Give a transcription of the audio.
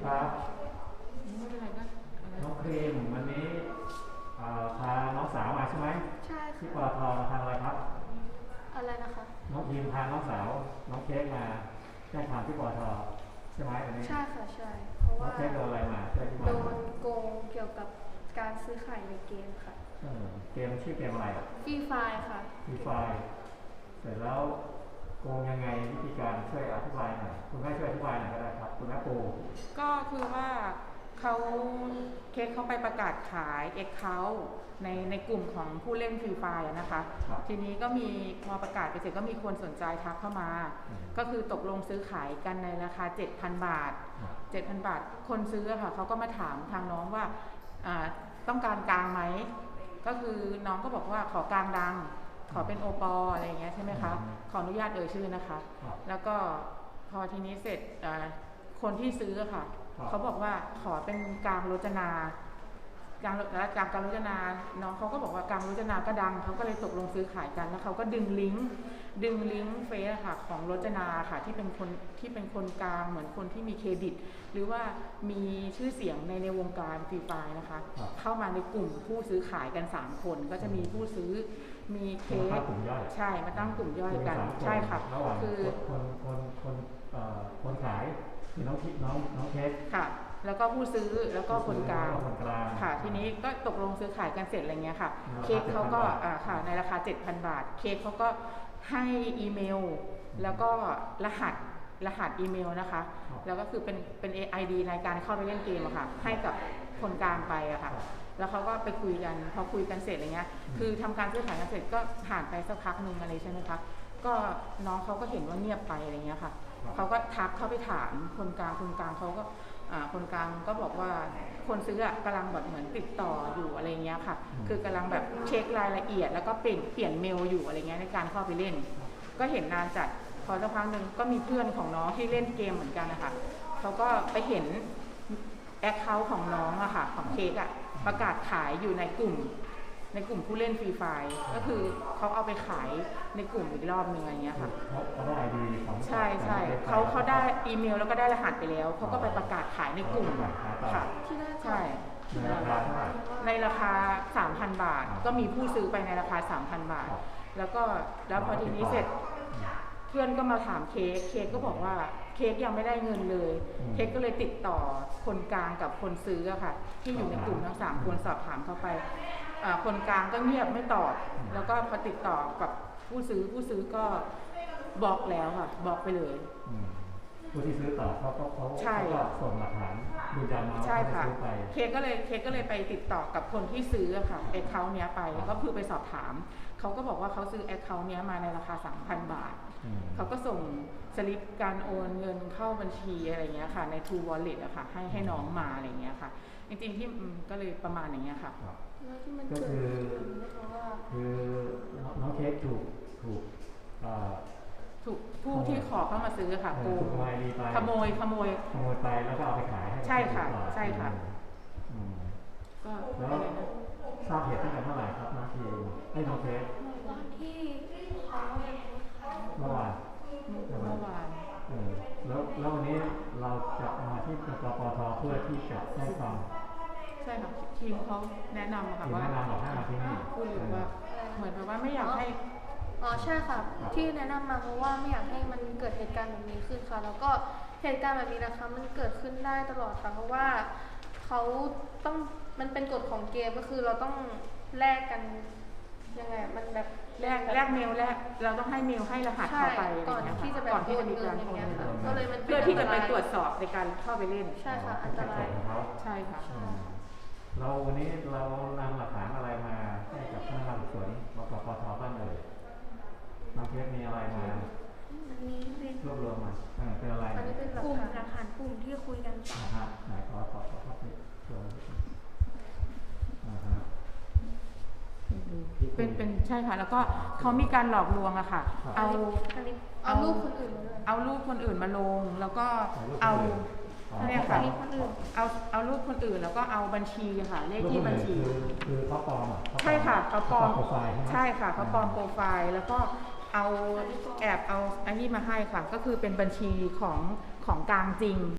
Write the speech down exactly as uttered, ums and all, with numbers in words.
ครับไม่เป็นไรก็น้องครีมวันนี้พาน้องสาวมาใช่ไหมใช่ค่ะที่ปตททางอะไรครับอะไรนะคะน้องครีมพาน้องสาวน้องเค้กมาแจ้งความที่ปตทใช่ไหมวันนี้ใช่ค่ะใช่เพราะว่าน้องเค้กโดนอะไรมาช่วยที่บ้านโดนโกงเกี่ยวกับการซื้อขายในเกมค่ะเกมชื่อเกมอะไรฟรีไฟค่ะฟรีไฟเสร็จแล้วโกงยังไงวิธีการช่วยอธิบายหน่อยคุณแม่ช่วยอธิบายหน่อยก็ได้ครับคุณแม่ปูก็คือว่าเขาเค้กเขาไปประกาศขายเอ็กเคาท์ในในกลุ่มของผู้เล่นฟรีไฟนะคะทีนี้ก็มีพอประกาศไปเสร็จก็มีคนสนใจทักเข้ามาก็คือตกลงซื้อขายกันในราคา เจ็ดพัน บาท เจ็ดพัน บาทคนซื้อค่ะเขาก็มาถามทางน้องว่าต้องการกลางไหมก็คือน้องก็บอกว่าขอกลางดังขอเป็นโอปออะไรอย่างเงี้ยใช่ไหมคะขออนุญาตเอ่ยชื่อนะคะแล้วก็พอทีนี้เสร็จคนที่ซื้อค่ะเขาบอกว่าขอเป็นกลางรจนาการแล้วจากการรจนาน้องเขาก็บอกว่าการรจนาก็ดังเขาก็เลยตกลงซื้อขายกันแล้วเขาก็ดึงลิงก์ดึงลิงก์เฟซค่ะของรจนาค่ะที่เป็นคนที่เป็นคนกลางเหมือนคนที่มีเครดิตหรือว่ามีชื่อเสียงในในวงการฟรีไฟนะคะเข้ามาในกลุ่มผู้ซื้อขายกันสามคนก็จะมีผู้ซื้อมีเคสใช่มาตั้งกลุ่มย่อยกันใช่ค่ะคือคนคนคนคนขายคือน้องน้องน้องเคสค่ะแล้วก็ผู้ซื้อแล้วก็คนกลางค่ะทีนี้ก็ตกลงซื้อขายกันเสร็จอะไรเงี้ยค่ะเค้กเขาก็ค่ะในราคา เจ็ดพัน บาทเค้กเขาก็ให้อีเมลแล้วก็รหัสรหัสอีเมลนะคะแล้วก็คือเป็นเป็น ไอ ดี ในการเข้าไปเล่นเกมอะค่ะให้กับคนกลางไปอะค่ะแล้วเขาก็ไปคุยกันพอคุยกันเสร็จอะไรเงี้ยคือทำการซื้อขายกันเสร็จก็ผ่านไปสักพักนึงอะไรใช่ไหมคะก็น้องเขาก็เห็นว่าเงียบไปอะไรเงี้ยค่ะเขาก็ทักเข้าไปถามคนกลางคนกลางเขาก็คนกลางก็บอกว่าคนซื้อกำลังแบบเหมือนติดต่ออยู่อะไรเงี้ยค่ะคือกำลังแบบเช็ครายละเอียดแล้วก็เปลี่ยนเปลี่ยนเมลอยู่อะไรเงี้ยในการเข้าไปเล่นก็เห็นนานจัดพอสักพักหนึ่งก็มีเพื่อนของน้องที่เล่นเกมเหมือนกันนะคะเขาก็ไปเห็นแอคเคาท์ของน้องอะค่ะของเค้กอะประกาศขายอยู่ในกลุ่มในกลุ่มผู้เล่นฟรีไฟก็คือเขาเอาไปขายในกลุ่มอีกรอบนึงอะไรเงี้ยค่ะเขาได้ไอดีของใช่ใช่เขาเขาได้อีเมลแล้วก็ได้รหัสไปแล้วเขาก็ไปประกาศขายในกลุ่มค่ะใช่ในราคา สามพัน บาทก็มีผู้ซื้อไปในราคา สามพัน บาทแล้วก็แล้วพอทีนี้เสร็จเพื่อนก็มาถามเค้กเค้กก็บอกว่าเค้กยังไม่ได้เงินเลยเค้กก็เลยติดต่อคนกลางกับคนซื้ออะค่ะที่อยู่ในกลุ่มทั้งสามคนสอบถามเข้าไปคนกลางก็เงียบไม่ตอบแล้วก็พอติดต่อกับผู้ซื้อผู้ซื้อก็บล็อกแล้วค่ะบล็อกไปเลยผู้ที่ซื้อต่อเขาก็เขาก็ส่งหลักฐานดูยันมาว่าเขาซื้อไปเค้กก็เลยเค้กก็เลยไปติดต่อกับคนที่ซื้ออะค่ะแอคเคาท์เนี้ยไปก็คือไปสอบถามเขาก็บอกว่าเขาซื้อแอคเคาท์เนี้ยมาในราคา สามพัน บาทเขาก็ส่งสลิปการโอนเงินเข้าบัญชีอะไรเงี้ยค่ะใน True Wallet อะค่ะให้ให้น้องมาอะไรเงี้ยค่ะจริงๆที่ก็เลยประมาณอย่างเงี้ยค่ะก็คือคือน้องเค้กถูกถูกถูกผู้ที่ขอเข้ามาซื้อค่ะโกงขโมยขโมยขโมยไปแล้วก็เอาไปขายให้ใช่ค่ะใช่ค่ะก็แล้วทราบเหตุตั้งแต่เมื่อไหร่ครับน้องทีให้น้องเค้กตอนที่เขาเมื่อวานเมื่อวานแล้วแล้ววันนี้เราจะมาที่ปปทเพื่อที่จะให้ความใช่ค่ะทีมเขาแนะนำค่ะว่าพูดเลยว่าเหมือนแบบว่าไม่อยากให้อ๋อใช่ค่ะที่แนะนำมาเพราะว่าไม่อยากให้มันเกิดเหตุการณ์แบบนี้ขึ้นค่ะแล้วก็เหตุการณ์แบบนี้นะคะมันเกิดขึ้นได้ตลอดค่ะเพราะว่าเขาต้องมันเป็นกฎของเกมก็คือเราต้องแลกกันยังไงมันแบบแลกแลกเมลแลกเราต้องให้เมลให้รหัสเข้าไปก่อนที่จะก่อนที่จะมีการโอนเงินก็เลยมันเพื่อที่จะไปตรวจสอบในการเข้าไปเล่นใช่ค่ะอันตรายใช่ค่ะเราวันนี้เรานำหลักฐานอะไรมาให้กับพนักงานสอบสวนบกปทบ้างเลยน้องเค้กมีอะไรมาอันนี้เป็นรวบรวมมาเป็นอะไรอันนี้เป็นกลุ่มหลักฐานกลุ่มที่คุยกันนะฮะไหนขอขอขอขอไปโชว์อ่าฮะเป็นเป็นใช่ค่ะแล้วก็เขามีการหลอกลวงอะค่ะเอาเอารูปคนอื่นมาเอารูปคนอื่นมาลงแล้วก็เอาเนี่ยค่ะเอาเอารูปคนอื่นแล้วก็เอาบัญชีค่ะเลขที่บัญชีคือเขาปลอมใช่ค่ะเขาปลอมใช่ค่ะเขาปลอมโปรไฟล์แล้วก็เอาแอบเอาอันนี้มาให้ค่ะก็คือเป็นบัญชีของของกลางจริง